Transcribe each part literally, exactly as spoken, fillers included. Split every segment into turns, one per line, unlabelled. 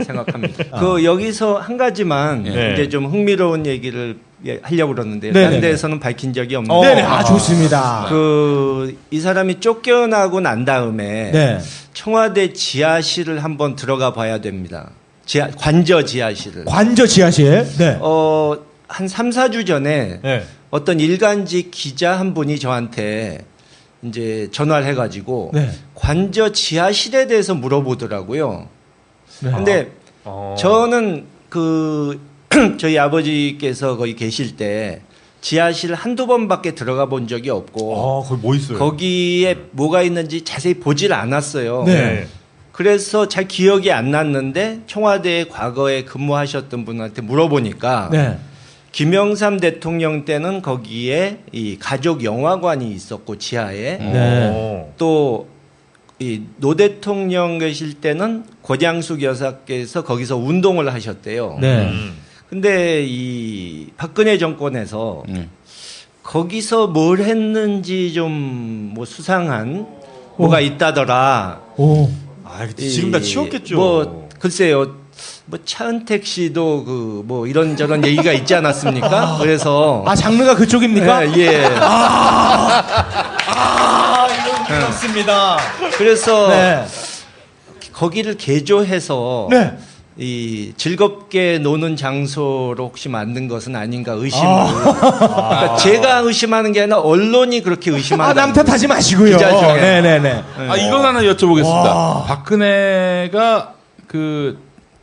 생각합니다. 아. 그 여기서 한 가지만
네.
이제 좀 흥미로운 얘기를 하려고 그러는데요.
네네네.
다른 데에서는 밝힌 적이 없는데.
어. 네네. 아, 좋습니다.
그, 이 사람이 쫓겨나고 난 다음에
네.
청와대 지하실을 한번 들어가 봐야 됩니다. 지하, 관저 지하실을.
관저 지하실. 네.
어, 한 삼, 사 주 전에
네.
어떤 일간지 기자 한 분이 저한테 이제 전화를 해가지고
네.
관저 지하실에 대해서 물어보더라고요.
네.
근데
어.
저는 그 저희 아버지께서 거기 계실 때 지하실 한두 번밖에 들어가 본 적이 없고
아, 거기 뭐 있어요?
거기에 뭐가 있는지 자세히 보질 않았어요.
네.
그래서 잘 기억이 안 났는데 청와대에 과거에 근무하셨던 분한테 물어보니까
네.
김영삼 대통령 때는 거기에 이 가족 영화관이 있었고 지하에
네.
또 이 노 대통령 계실 때는 고장숙 여사께서 거기서 운동을 하셨대요.
네.
근데 이 박근혜 정권에서
네.
거기서 뭘 했는지 좀 뭐 수상한 뭐가 있다더라.
오.
아, 지금 다 치웠겠죠.
뭐 글쎄요. 뭐 차은택 씨도 그 뭐 이런저런 얘기가 있지 않았습니까? 그래서
아, 장르가 그쪽입니까?
예. 예.
아, 아, 이런 게 없습니다.
그래서
네.
거기를 개조해서
네.
이 즐겁게 노는 장소로 혹시 만든 것은 아닌가 의심을.
아.
그러니까 제가 의심하는 게 아니라 언론이 그렇게 의심한다.
아, 남 탓하지 마시고요.
기자 중에.
네네네.
아, 이건 하나 여쭤보겠습니다.
와.
박근혜가 그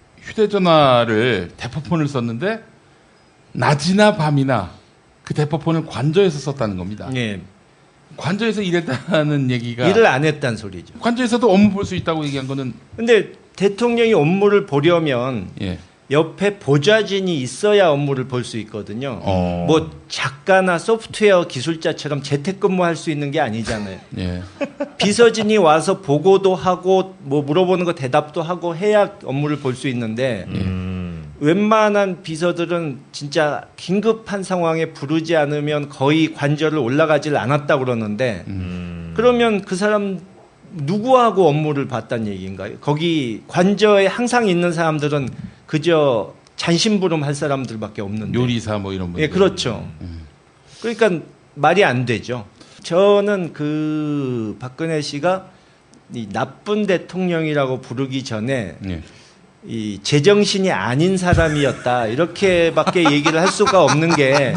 휴대전화를 대포폰을 썼는데 낮이나 밤이나 그 대포폰을 관저에서 썼다는 겁니다.
예.
관저에서 일했다는 얘기가
일을 안 했다는 소리죠.
관저에서도 업무 볼 수 있다고 얘기한 거는
근데 대통령이 업무를 보려면
예.
옆에 보좌진이 있어야 업무를 볼 수 있거든요.
어.
뭐 작가나 소프트웨어 기술자처럼 재택근무할 수 있는 게 아니잖아요.
예.
비서진이 와서 보고도 하고 뭐 물어보는 거 대답도 하고 해야 업무를 볼 수 있는데
음.
웬만한 비서들은 진짜 긴급한 상황에 부르지 않으면 거의 관저를 올라가질 않았다 그러는데
음.
그러면 그 사람 누구하고 업무를 봤다는 얘기인가요? 거기 관저에 항상 있는 사람들은 그저 잔심부름 할 사람들밖에 없는데.
요리사 뭐 이런 분.
예, 그렇죠. 그러니까 말이 안 되죠. 저는 그 박근혜 씨가 이 나쁜 대통령이라고 부르기 전에
예.
이 제정신이 아닌 사람이었다 이렇게밖에 얘기를 할 수가 없는 게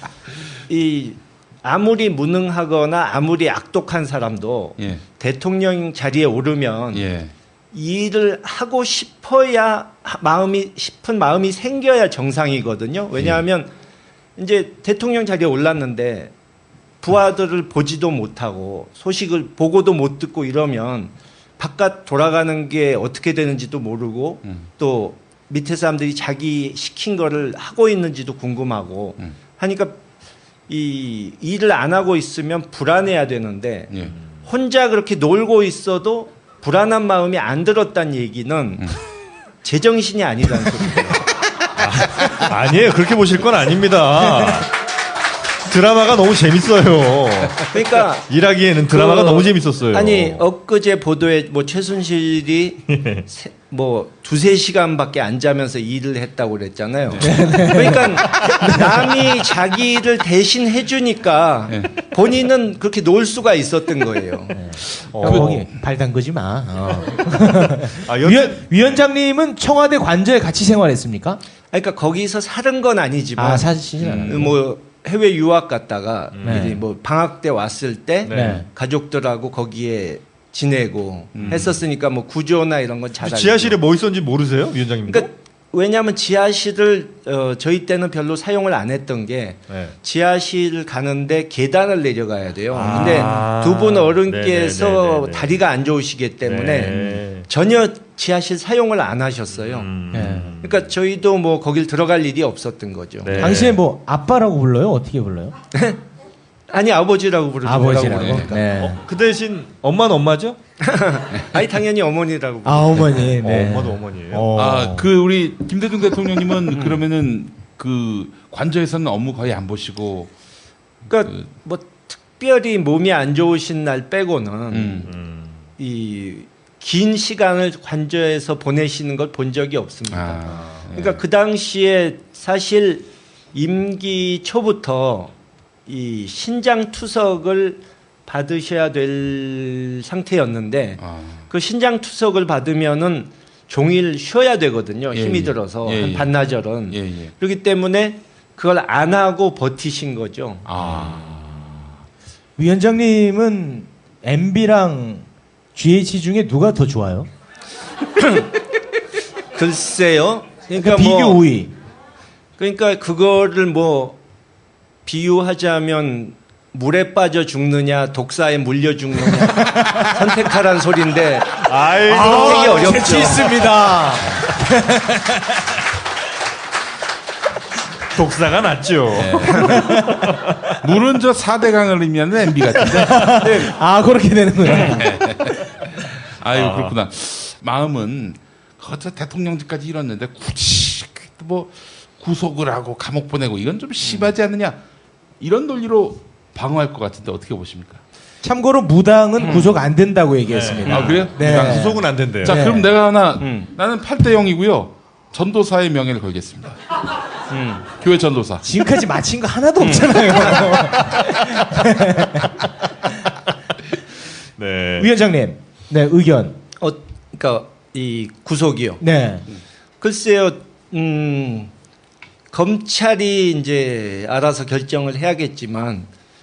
이 아무리 무능하거나 아무리 악독한 사람도
예.
대통령 자리에 오르면
예.
일을 하고 싶어야 마음이 싶은 마음이 생겨야 정상이거든요. 왜냐하면 이제 대통령 자리에 올랐는데 부하들을 보지도 못하고 소식을 보고도 못 듣고 이러면 바깥 돌아가는 게 어떻게 되는지도 모르고
음.
또 밑에 사람들이 자기 시킨 거를 하고 있는지도 궁금하고
음.
하니까 이 일을 안 하고 있으면 불안해야 되는데
예.
혼자 그렇게 놀고 있어도 불안한 마음이 안 들었다는 얘기는
음.
제정신이 아니라는 소리예요.
아, 아니에요. 그렇게 보실 건 아닙니다. 드라마가 너무 재밌어요.
그러니까
일하기에는 드라마가
그,
너무 재밌었어요.
아니 엊그제 보도에 뭐 최순실이 세, 뭐 두세 시간밖에 안 자면서 일을 했다고 그랬잖아요. 그러니까 남이 자기 일을 대신 해주니까 본인은 그렇게 놀 수가 있었던 거예요.
어.
거기 발 담그지 마. 어.
아, 여...
위원, 위원장님은 청와대 관저에 같이 생활했습니까?
그러니까 거기서 살은 건 아니지만
아, 사시진 않아요.
뭐 해외 유학 갔다가
네.
이제 뭐 방학 때 왔을 때
네.
가족들하고 거기에 지내고
음.
했었으니까 뭐 구조나 이런 건 잘 알고.
지하실에 뭐 있었는지 모르세요, 위원장님?
그러니까 왜냐하면 지하실을 어, 저희 때는 별로 사용을 안 했던 게
네.
지하실 가는데 계단을 내려가야 돼요.
아.
근데 두 분 어른께서
네네네네네.
다리가 안 좋으시기 때문에
네.
전혀 지하실 사용을 안 하셨어요.
음.
네.
그러니까 저희도 뭐 거길 들어갈 일이 없었던 거죠.
네.
당시에 뭐 아빠라고 불러요? 어떻게 불러요?
아니 아버지라고 부르죠.
아버지라고.
뭐라고 부르니까.
네.
어, 그 대신 엄마는 엄마죠?
아니 당연히 어머니라고.
아, 어머니. 네.
어, 엄마도 어머니예요.
어.
아, 그 우리 김대중 대통령님은 그러면은 그 관저에서는 업무 거의 안 보시고
그러니까
그-
뭐 특별히 몸이 안 좋으신 날 빼고는
음.
음.
이 긴 시간을 관저에서 보내시는 걸 본 적이 없습니다.
아,
그러니까 그 당시에 사실 임기 초부터 이 신장 투석을 받으셔야 될 상태였는데
아.
그 신장 투석을 받으면은 종일 쉬어야 되거든요.
예,
힘이
예.
들어서
예,
한
예.
반나절은.
예, 예.
그렇기 때문에 그걸 안 하고 버티신 거죠.
아.
위원장님은 엠비랑 지에이치 중에 누가 더 좋아요?
글쎄요.
그러니까
그러니까
비교
뭐
오 위.
그러니까 그거를 뭐 비유하자면 물에 빠져 죽느냐 독사에 물려 죽느냐 선택하라는 소리인데
아이고.
되게 어렵죠.
재치 있습니다.
독사가 낫죠.
물은 저 사대강을 의미하는 엠비 같은데.
아 그렇게 되는구나.
아유
아.
그렇구나. 마음은 그저 대통령직까지 이뤘는데 굳이 뭐 구속을 하고 감옥 보내고 이건 좀 심하지 않느냐 이런 논리로 방어할 것 같은데 어떻게 보십니까?
참고로 무당은 구속 안 된다고 얘기했습니다.
아 그래요?
네.
무당
구속은 안 된대요.
자
네.
그럼 내가 하나
음.
나는 팔 대 영이고요. 전도사의 명예를 걸겠습니다.
음.
교회 전도사.
지금까지 마친 거 하나도 없잖아요.
네.
위원장님, 네 의견.
어, 그러니까 이 구속이요.
네.
글쎄요. 음, 검찰이 이제 알아서 결정을 해야겠지만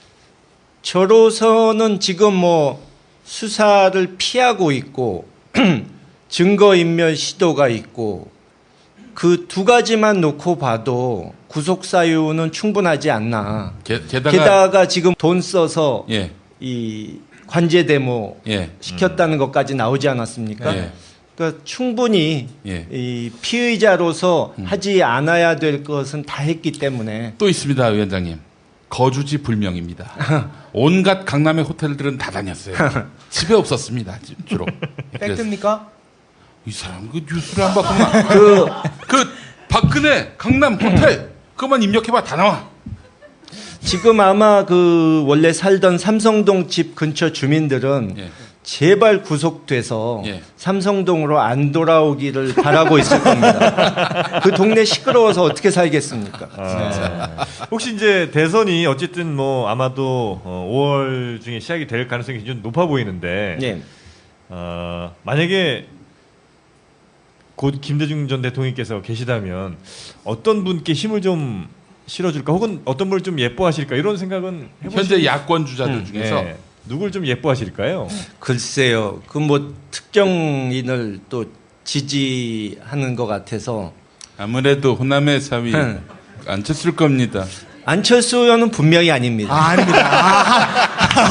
저로서는 지금 뭐 수사를 피하고 있고 증거인멸 시도가 있고 그 두 가지만 놓고 봐도 구속 사유는 충분하지 않나.
게, 게다가
게다가 지금 돈 써서
예
이 관제 데모
예.
시켰다는 것까지 나오지 않았습니까?
예.
그러니까 충분히
예.
이 피의자로서 하지 않아야 될 것은 다 했기 때문에
또 있습니다, 위원장님. 거주지 불명입니다. 온갖 강남의 호텔들은 다 다녔어요. 집에 없었습니다, 주로. 그래서
팩트입니까?
이 사람 그 뉴스를 안 봤구나. 그, 그 박근혜 강남 호텔 그것만 입력해봐 다 나와.
지금 아마 그 원래 살던 삼성동 집 근처 주민들은
예.
제발 구속돼서
예.
삼성동으로 안 돌아오기를 바라고 있을 겁니다. 그 동네 시끄러워서 어떻게 살겠습니까?
아, 혹시 이제 대선이 어쨌든 뭐 아마도 어, 오월 중에 시작이 될 가능성이 굉장히 높아 보이는데
예.
어, 만약에 곧 김대중 전 대통령께서 계시다면 어떤 분께 힘을 좀 실어줄까 혹은 어떤 분을 좀 예뻐하실까 이런 생각은 해보시...
현재 야권 주자들
음,
중에서
네. 누굴 좀 예뻐하실까요?
글쎄요. 그 뭐 특정인을 또 지지하는 것 같아서
아무래도 호남의 사위
응.
안쳤을 겁니다.
안철수 의원은 분명히 아닙니다.
아, 아닙니다.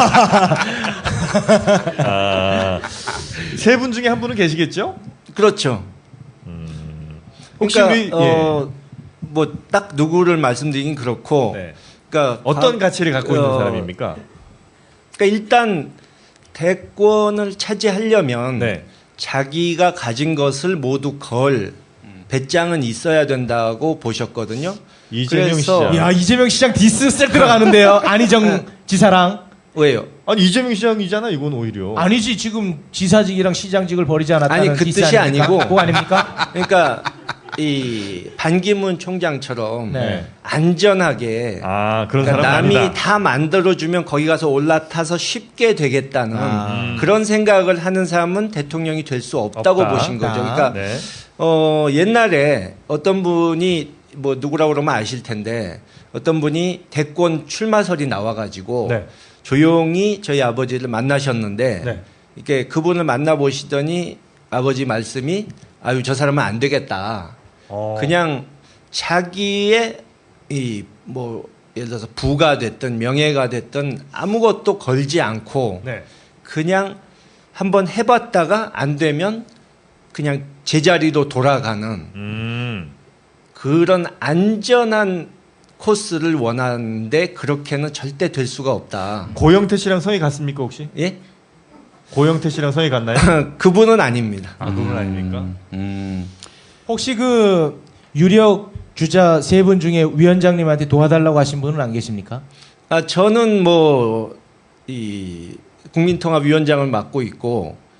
아, 세 분 중에 한 분은 계시겠죠?
그렇죠.
혹시
그러니까
우리
어, 뭐 딱 누구를 말씀드리긴 그렇고,
네.
그러니까
어떤
가-
가치를 갖고 있는
어,
사람입니까?
그러니까 일단 대권을 차지하려면
네.
자기가 가진 것을 모두 걸 배짱은 있어야 된다고 보셨거든요.
이재명
그래서-
시장.
야 이재명 시장 디스 셀 들어가는데요. 안희정 지사랑.
왜요?
아니 이재명 시장이잖아 이건 오히려.
아니지 지금 지사직이랑 시장직을 버리지 않았다는
아니, 그
디스
뜻이
아닙니까?
아니고.
그거 아닙니까?
그러니까 이 반기문 총장처럼
네.
안전하게
아 그런
그러니까
사람
남이
아니다.
다 만들어주면 거기 가서 올라타서 쉽게 되겠다는
아.
그런 생각을 하는 사람은 대통령이 될 수 없다고
없다.
보신 거죠.
없다.
그러니까
네.
어, 옛날에 어떤 분이 뭐 누구라고 그러면 아실 텐데 어떤 분이 대권 출마설이 나와가지고
네.
조용히 저희 아버지를 만나셨는데
네.
이렇게 그분을 만나보시더니 아버지 말씀이 아유 저 사람은 안 되겠다.
어.
그냥 자기의 이 뭐 예를 들어서 부가 됐든 명예가 됐든 아무것도 걸지 않고
네.
그냥 한번 해봤다가 안 되면 그냥 제자리로 돌아가는
음.
그런 안전한 코스를 원하는데 그렇게는 절대 될 수가 없다.
고영태 씨랑 성이 같습니까 혹시?
예?
고영태 씨랑 성이 같나요?
그분은 아닙니다.
아 그분 아닙니까?
음.
혹시 그 유력 주자 세 분 중에 위원장님한테 도와달라고 하신 분은 안 계십니까?
아, 저는 뭐 이 국민통합위원장을 맡고 있고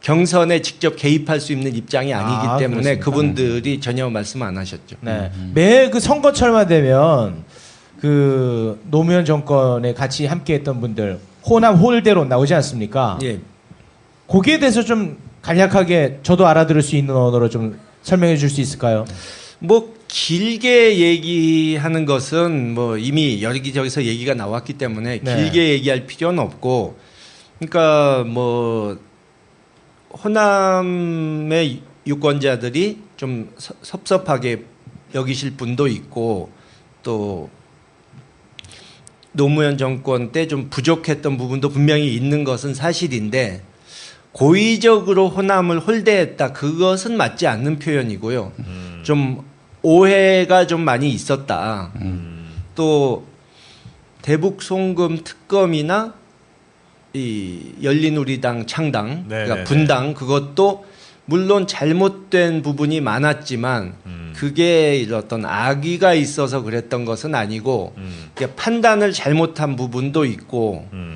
경선에 직접 개입할 수 있는 입장이 아니기
아,
때문에
그렇습니까?
그분들이 전혀 말씀 안 하셨죠.
네. 매 그 선거철만 되면 그 노무현 정권에 같이 함께했던 분들 호남 홀대로 나오지 않습니까?
예.
거기에 대해서 좀 간략하게 저도 알아들을 수 있는 언어로 좀 설명해 줄 수 있을까요?
뭐 길게 얘기하는 것은 뭐 이미 여기저기서 얘기가 나왔기 때문에
네.
길게 얘기할 필요는 없고, 그러니까 뭐 호남의 유권자들이 좀 섭- 섭섭하게 여기실 분도 있고, 또 노무현 정권 때 좀 부족했던 부분도 분명히 있는 것은 사실인데, 고의적으로 호남을 홀대했다, 그것은 맞지 않는 표현이고요. 좀 오해가 좀 많이 있었다. 또 대북 송금 특검이나 이 열린우리당 창당,
네네네.
그러니까 분당, 그것도 물론 잘못된 부분이 많았지만
음.
그게 어떤 악의가 있어서 그랬던 것은 아니고
음.
그러니까 판단을 잘못한 부분도 있고,
음.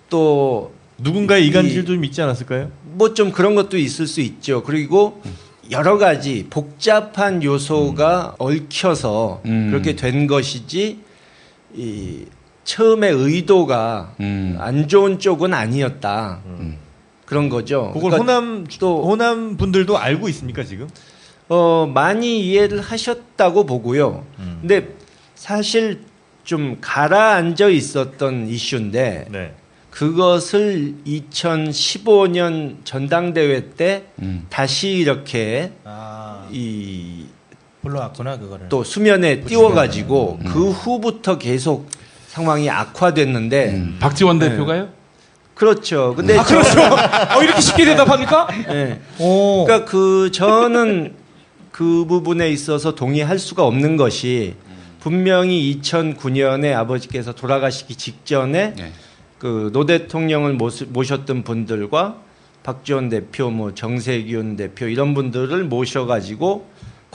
또
누군가의
이-
이간질도 좀 있지 않았을까요?
뭐 좀 그런 것도 있을 수 있죠. 그리고 여러 가지 복잡한 요소가 얽혀서
음.
그렇게 된 것이지, 이 처음에 의도가
음.
안 좋은 쪽은 아니었다.
음.
그런 거죠.
그걸
그러니까
호남
또
호남 분들도 알고 있습니까 지금?
어, 많이 이해를 하셨다고 보고요.
음.
근데 사실 좀 가라앉아 있었던 이슈인데
네.
그것을 이천십오 년 전당대회 때
음.
다시 이렇게
아,
이
불러왔구나 그거를.
또 수면에 띄워가지고
음.
그 후부터 계속 상황이 악화됐는데,
음. 박지원
네.
대표가요?
그렇죠. 근데
아, 그렇죠. 어, 이렇게 쉽게 대답합니까?
예.
오.
그러니까 그 저는 그 부분에 있어서 동의할 수가 없는 것이, 분명히 이천구 년에 아버지께서 돌아가시기 직전에
네.
그 노 대통령을 모시- 모셨던 분들과 박지원 대표, 뭐 정세균 대표 이런 분들을 모셔가지고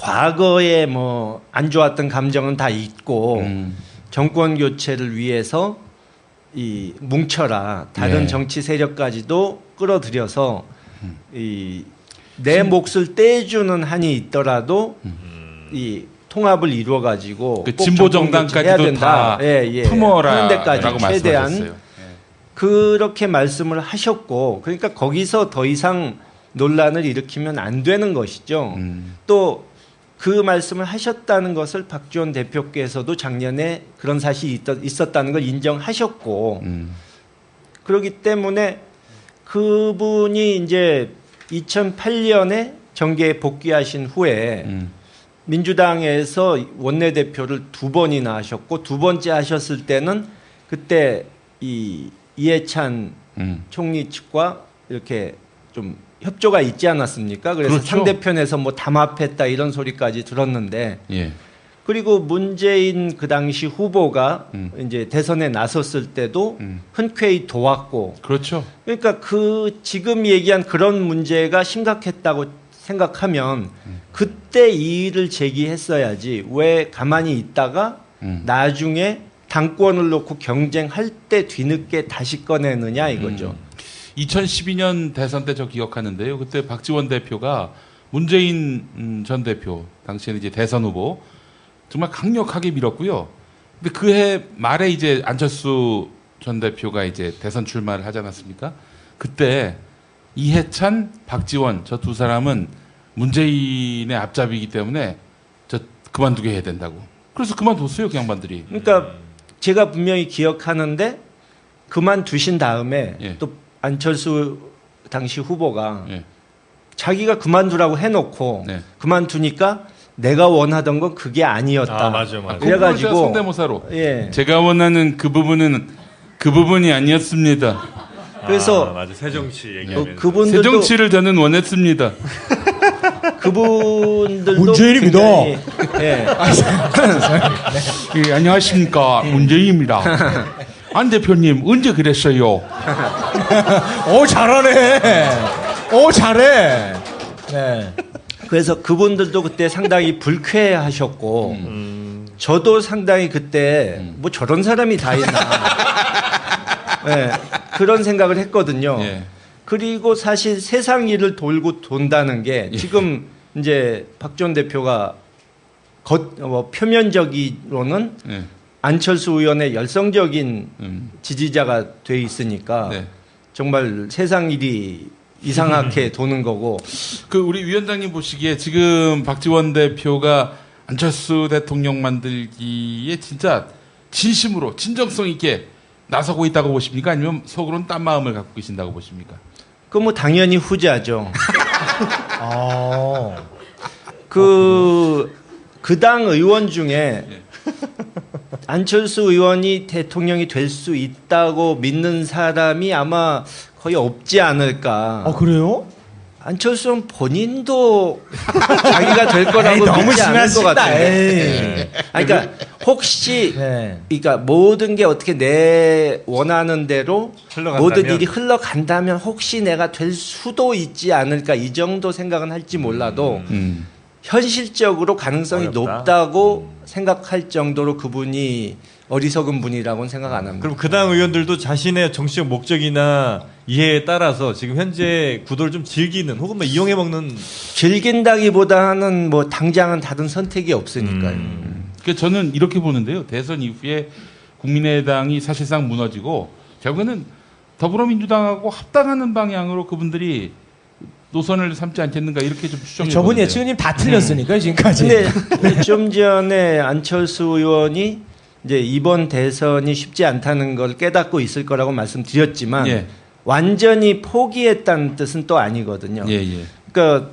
과거에 뭐 안 좋았던 감정은 다 잊고
음.
정권 교체를 위해서 이 뭉쳐라, 다른
네.
정치 세력까지도 끌어들여서 이 내 몫을 떼주는 한이 있더라도 이 통합을 이루어 가지고
그 진보 정당까지도 다
예, 예.
품어라
하는 데까지
라고
최대한
말씀하셨어요.
그렇게 말씀을 하셨고, 그러니까 거기서 더 이상 논란을 일으키면 안 되는 것이죠.
음.
또 그 말씀을 하셨다는 것을 박지원 대표께서도 작년에 그런 사실이 있- 있었다는 걸 인정하셨고,
음.
그렇기 때문에 그분이 이제 이천팔 년에 정계에 복귀하신 후에
음.
민주당에서 원내대표를 두 번이나 하셨고, 두 번째 하셨을 때는 그때 이 이해찬
음.
총리 측과 이렇게 좀 협조가 있지 않았습니까? 그래서
그렇죠.
상대편에서 뭐 담합했다 이런 소리까지 들었는데,
예.
그리고 문재인 그 당시 후보가
음.
이제 대선에 나섰을 때도
음.
흔쾌히 도왔고,
그렇죠.
그러니까 그 지금 얘기한 그런 문제가 심각했다고 생각하면 그때 이의를 제기했어야지, 왜 가만히 있다가
음.
나중에 당권을 놓고 경쟁할 때 뒤늦게 다시 꺼내느냐 이거죠.
음. 이천십이 년 대선 때 저 기억하는데요. 그때 박지원 대표가 문재인 음, 전 대표, 당시에는 이제 대선 후보 정말 강력하게 밀었고요. 근데 그 해 말에 이제 안철수 전 대표가 이제 대선 출마를 하지 않았습니까? 그때 이해찬, 박지원 저 두 사람은 문재인의 앞잡이기 때문에 저 그만두게 해야 된다고. 그래서 그만뒀어요, 그 양반들이.
그러니까 제가 분명히 기억하는데 그만두신 다음에
예.
또 안철수 당시 후보가
예.
자기가 그만두라고 해놓고
네.
그만두니까 내가 원하던 건 그게 아니었다.
아, 맞아요, 맞아요.
그래가지고
그래가지고 성대모사로
예.
제가 원하는 그 부분은 그 부분이 아니었습니다.
그래서
아, 맞아 새정치
어,
얘기하면서
그분들도
새정치를 저는 원했습니다.
그분들도
문재인입니다.
굉장히, 예.
예, 안녕하십니까 문재인입니다. 안 대표님 언제 그랬어요?
오 잘하네. 오 잘해. 네.
그래서 그분들도 그때 상당히 불쾌하셨고,
음.
저도 상당히 그때
음.
뭐 저런 사람이 다 있나, 예, 그런 생각을 했거든요.
예.
그리고 사실 세상 일을 돌고 돈다는 게 지금 이제 박 전 대표가 겉, 뭐 표면적으로는
네.
안철수 의원의 열성적인
음.
지지자가 돼 있으니까
네.
정말 세상 일이 이상하게 도는 거고.
그 우리 위원장님 보시기에 지금 박지원 대표가 안철수 대통령 만들기에 진짜 진심으로 진정성 있게 나서고 있다고 보십니까? 아니면 속으로는 딴 마음을 갖고 계신다고 보십니까?
그 뭐 당연히 후자죠.
아.
그, 그 당 의원 중에 안철수 의원이 대통령이 될 수 있다고 믿는 사람이 아마 거의 없지 않을까.
아 그래요?
안철수는 본인도 자기가 될 거라고
에이, 너무
믿지 않을 것
심하시다.
같아요.
에이.
아니, 그러니까 혹시
네.
그러니까 모든 게 어떻게 내 원하는 대로
흘러간다면?
모든 일이 흘러간다면 혹시 내가 될 수도 있지 않을까 이 정도 생각은 할지 몰라도
음.
현실적으로 가능성이
어렵다.
높다고 생각할 정도로 그분이 어리석은 분이라고는 생각 안 합니다.
그럼 그 당 의원들도 자신의 정치적 목적이나 이해에 따라서 지금 현재 구도를 좀 즐기는 혹은 뭐 이용해 먹는
즐긴다기보다는 뭐 당장은 다른 선택이 없으니까요.
음.
그러니까 저는 이렇게 보는데요. 대선 이후에 국민의당이 사실상 무너지고 결국에는 더불어민주당하고 합당하는 방향으로 그분들이 노선을 삼지 않겠는가 이렇게 좀 추정해
저분
보는데요.
예측님 다 틀렸으니까요 지금까지.
근데 좀 전에 안철수 의원이 이제 이번 대선이 쉽지 않다는 걸 깨닫고 있을 거라고 말씀드렸지만
예.
완전히 포기했다는 뜻은 또 아니거든요.
예, 예.
그러니까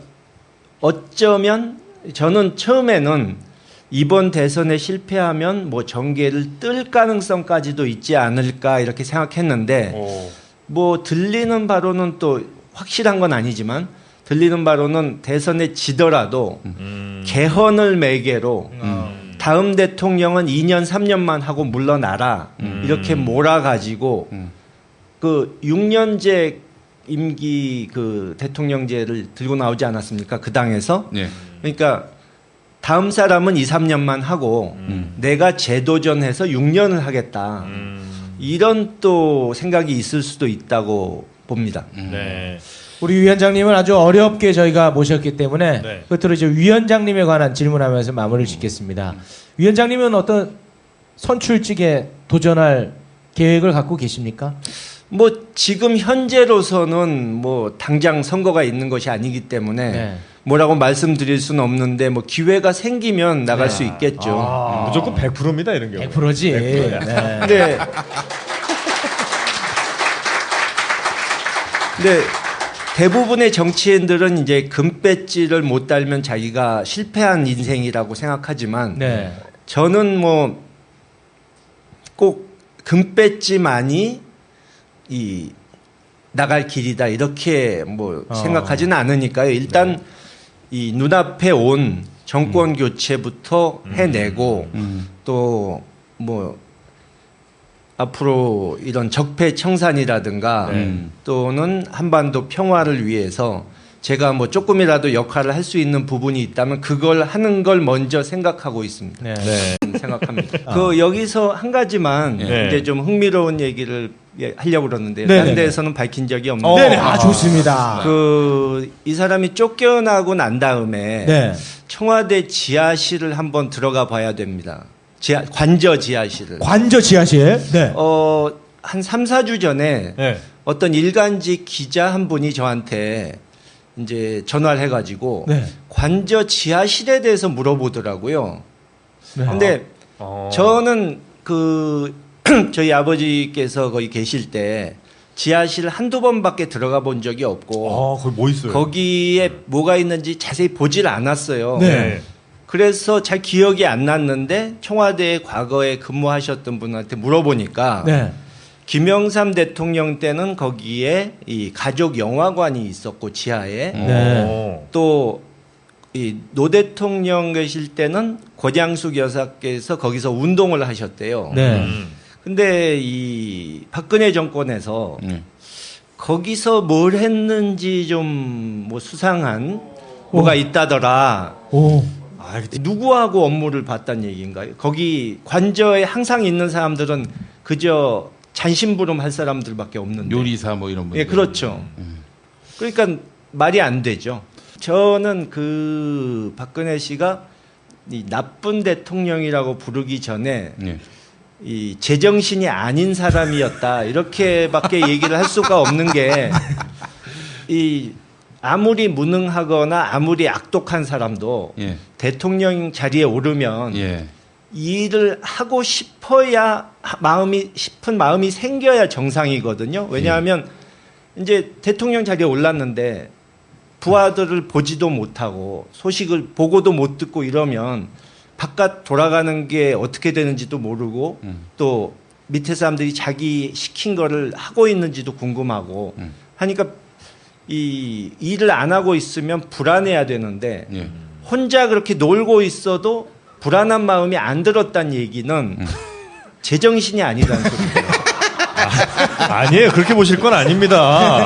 어쩌면 저는 처음에는 이번 대선에 실패하면 뭐 정계를 뜰 가능성까지도 있지 않을까 이렇게 생각했는데
오.
뭐 들리는 바로는 또 확실한 건 아니지만 들리는 바로는 대선에 지더라도
음.
개헌을 매개로
음.
다음 대통령은 이 년 삼 년만 하고 물러나라
음.
이렇게 몰아가지고
음.
그 육 년제 임기 그 대통령제를 들고 나오지 않았습니까? 그 당에서.
예.
그러니까 다음 사람은 이, 삼 년만 하고
음.
내가 재도전해서 육 년을 하겠다.
음.
이런 또 생각이 있을 수도 있다고 봅니다.
음.
네.
우리 위원장님을 아주 어렵게 저희가 모셨기 때문에
네.
끝으로 이제 위원장님에 관한 질문하면서 마무리를 짓겠습니다. 위원장님은 어떤 선출직에 도전할 계획을 갖고 계십니까?
뭐 지금 현재로서는 뭐 당장 선거가 있는 것이 아니기 때문에
네.
뭐라고 말씀드릴 수는 없는데 뭐 기회가 생기면 나갈
네.
수 있겠죠.
아.
무조건 백 퍼센트입니다 이런 경우.
백 퍼센트지. 네.
근데 근데 대부분의 정치인들은 이제 금배지를 못 달면 자기가 실패한 인생이라고 생각하지만
네.
저는 뭐 꼭 금배지만이 이 나갈 길이다 이렇게 뭐
어.
생각하지는 않으니까요. 일단 이 눈앞에 온 정권 교체부터 해내고
음.
또 뭐 앞으로 이런 적폐 청산이라든가
음.
또는 한반도 평화를 위해서 제가 뭐 조금이라도 역할을 할 수 있는 부분이 있다면 그걸 하는 걸 먼저 생각하고 있습니다.
네.
네.
생각합니다. 그 여기서 한 가지만
네.
이제 좀 흥미로운 얘기를 예, 하려고 그러는데요.
네네네.
다른 데에서는 밝힌 적이 없는데
어.
네네. 아, 좋습니다.
그 이 사람이 쫓겨나고 난 다음에
네.
청와대 지하실을 한번 들어가 봐야 됩니다. 지하, 관저 지하실을.
관저 지하실. 네.
어, 한 삼, 사 주 전에
네.
어떤 일간지 기자 한 분이 저한테 이제 전화를 해가지고
네.
관저 지하실에 대해서 물어보더라고요.
네.
근데
어.
저는 그 저희 아버지께서 거기 계실 때 지하실 한두 번밖에 들어가 본 적이 없고
아, 거기 뭐 있어요?
거기에 뭐가 있는지 자세히 보질 않았어요.
네.
그래서 잘 기억이 안 났는데 청와대에 과거에 근무하셨던 분한테 물어보니까
네.
김영삼 대통령 때는 거기에 이 가족 영화관이 있었고 지하에
네.
또 이 노 대통령 계실 때는 고장숙 여사께서 거기서 운동을 하셨대요.
네.
음.
근데 이 박근혜 정권에서
음.
거기서 뭘 했는지 좀 뭐 수상한 뭐가 있다더라.
오.
아, 이게
누구하고 업무를 봤단 얘기인가요? 거기 관저에 항상 있는 사람들은 그저 잔심부름 할 사람들밖에 없는데.
요리사 뭐 이런 분.
예, 그렇죠.
음.
그러니까 말이 안 되죠. 저는 그 박근혜 씨가 이 나쁜 대통령이라고 부르기 전에
예.
이 제정신이 아닌 사람이었다 이렇게밖에 얘기를 할 수가 없는 게 이 아무리 무능하거나 아무리 악독한 사람도
예.
대통령 자리에 오르면
예.
이 일을 하고 싶어야 마음이 싶은 마음이 생겨야 정상이거든요. 왜냐하면 이제 대통령 자리에 올랐는데 부하들을 보지도 못하고 소식을 보고도 못 듣고 이러면 바깥 돌아가는 게 어떻게 되는지도 모르고
음.
또 밑에 사람들이 자기 시킨 거를 하고 있는지도 궁금하고
음.
하니까 이 일을 안 하고 있으면 불안해야 되는데
예.
혼자 그렇게 놀고 있어도 불안한 마음이 안 들었다는 얘기는
음.
제정신이 아니라는 소리예요.
아니에요. 그렇게 보실 건 아닙니다.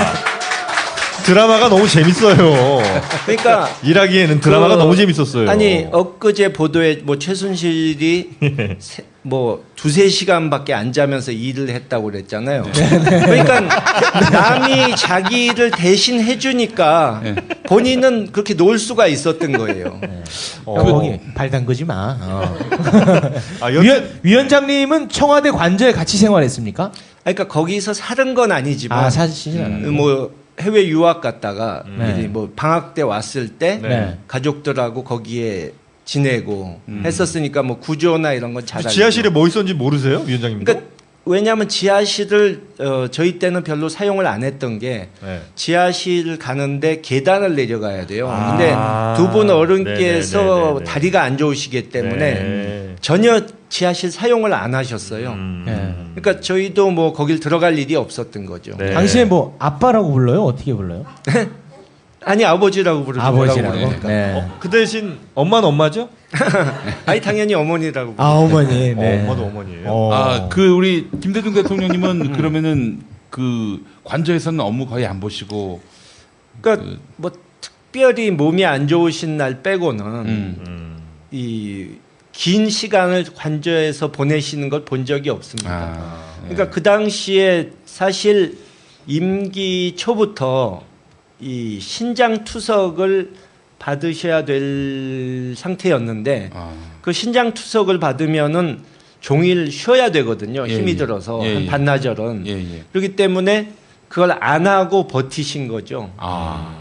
드라마가 너무 재밌어요.
그러니까
일하기에는 드라마가
그,
너무 재밌었어요.
아니 엊그제 보도에 뭐 최순실이 세, 뭐 두세 시간밖에 안 자면서 일을 했다고 그랬잖아요. 그러니까 남이 자기 일을 대신 해주니까
네.
본인은 그렇게 놀 수가 있었던 거예요.
어.
거기 발 담그지 마. 어.
아, 여...
위원, 위원장님은 청와대 관저에 같이 생활했습니까?
그러니까 거기서 살은 건 아니지만
아 사실 않아요.
뭐 해외 유학 갔다가
네.
이제 뭐 방학 때 왔을 때
네.
가족들하고 거기에 지내고
음.
했었으니까 뭐 구조나 이런 건 잘 알고.
지하실에 뭐 있었는지 모르세요, 위원장님?
그러니까 왜냐하면 지하실을 어, 저희 때는 별로 사용을 안 했던 게
네.
지하실 가는데 계단을 내려가야 돼요.
아.
근데 두 분 어른께서
네네네네네.
다리가 안 좋으시기 때문에
네.
전혀 지하실 사용을 안 하셨어요.
음.
네.
그러니까 저희도 뭐 거길 들어갈 일이 없었던 거죠.
네.
당시에 뭐 아빠라고 불러요? 어떻게 불러요?
아니 아버지라고 부르죠.
아버지라고.
뭐라고 부르니까.
네.
어, 그 대신 엄마는 엄마죠?
아니 당연히 어머니라고.
아 어머니. 네.
어, 엄마도 어머니예요.
어.
아, 그 우리 김대중 대통령님은 그러면은 그 관저에서는 업무 거의 안 보시고
그러니까 뭐 특별히 몸이 안 좋으신 날 빼고는
음.
음.
이 긴 시간을 관저에서 보내시는 걸 본 적이 없습니다.
아,
그러니까 그 당시에 사실 임기 초부터 이 신장 투석을 받으셔야 될 상태였는데
아.
그 신장 투석을 받으면은 종일 쉬어야 되거든요.
예,
힘이
예.
들어서
예,
한
예.
반나절은.
예, 예.
그렇기 때문에 그걸 안 하고 버티신 거죠.
아.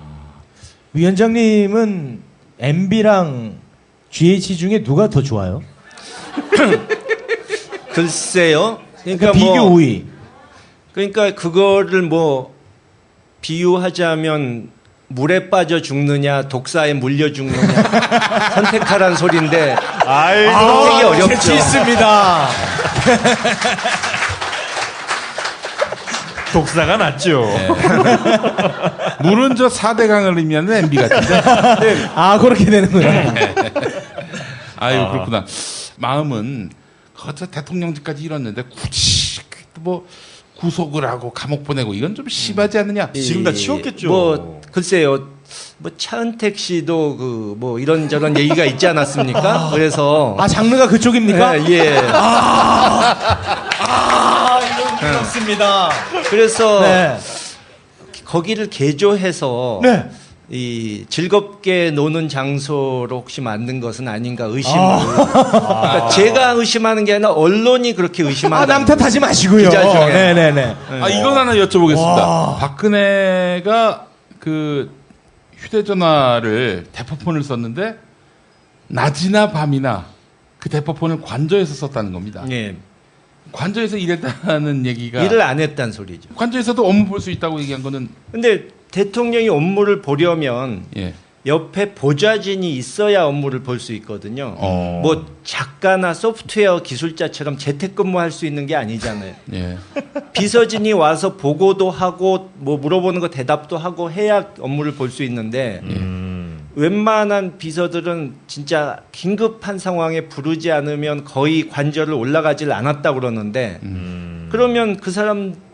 위원장님은 엠비랑 지에이치 중에 누가 더 좋아요?
글쎄요.
그러니까
그러니까
비교
뭐
오 위.
그러니까 그거를 뭐 비유하자면 물에 빠져 죽느냐 독사에 물려 죽느냐 선택하라는 소리인데
아이고.
선택이 어렵죠.
재치 있습니다.
독사가 낫죠.
물은 저 사대강을 의미하는 엠비 같은데.
아 그렇게 되는구나.
아유
아.
그렇구나. 마음은 거저 대통령직까지 이뤘는데 굳이 뭐 구속을 하고 감옥 보내고 이건 좀 심하지 않느냐?
지금 다
이-
치웠겠죠.
뭐 글쎄요. 뭐 차은택 씨도 그 뭐 이런저런 얘기가 있지 않았습니까? 그래서
아 장르가 그쪽입니까?
예, 예.
아 이런 그렇습니다.
그래서
네.
거기를 개조해서
네.
이 즐겁게 노는 장소로 혹시 만든 것은 아닌가 의심을. 그러니까 제가 의심하는 게 아니라 언론이 그렇게 의심한다.
아 남 탓하지 마시고요.
기자 중에.
네네네.
아 이건 하나 여쭤보겠습니다.
와.
박근혜가 그 휴대전화를 대포폰을 썼는데 낮이나 밤이나 그 대포폰을 관저에서 썼다는 겁니다.
예.
관저에서 일했다는 얘기가
일을 안 했다는 소리죠.
관저에서도 업무 볼 수 있다고 얘기한 거는
근데 대통령이 업무를 보려면
예.
옆에 보좌진이 있어야 업무를 볼 수 있거든요.
어.
뭐 작가나 소프트웨어 기술자처럼 재택근무할 수 있는 게 아니잖아요.
예.
비서진이 와서 보고도 하고 뭐 물어보는 거 대답도 하고 해야 업무를 볼 수 있는데
음.
웬만한 비서들은 진짜 긴급한 상황에 부르지 않으면 거의 관저를 올라가질 않았다 그러는데
음.
그러면 그 사람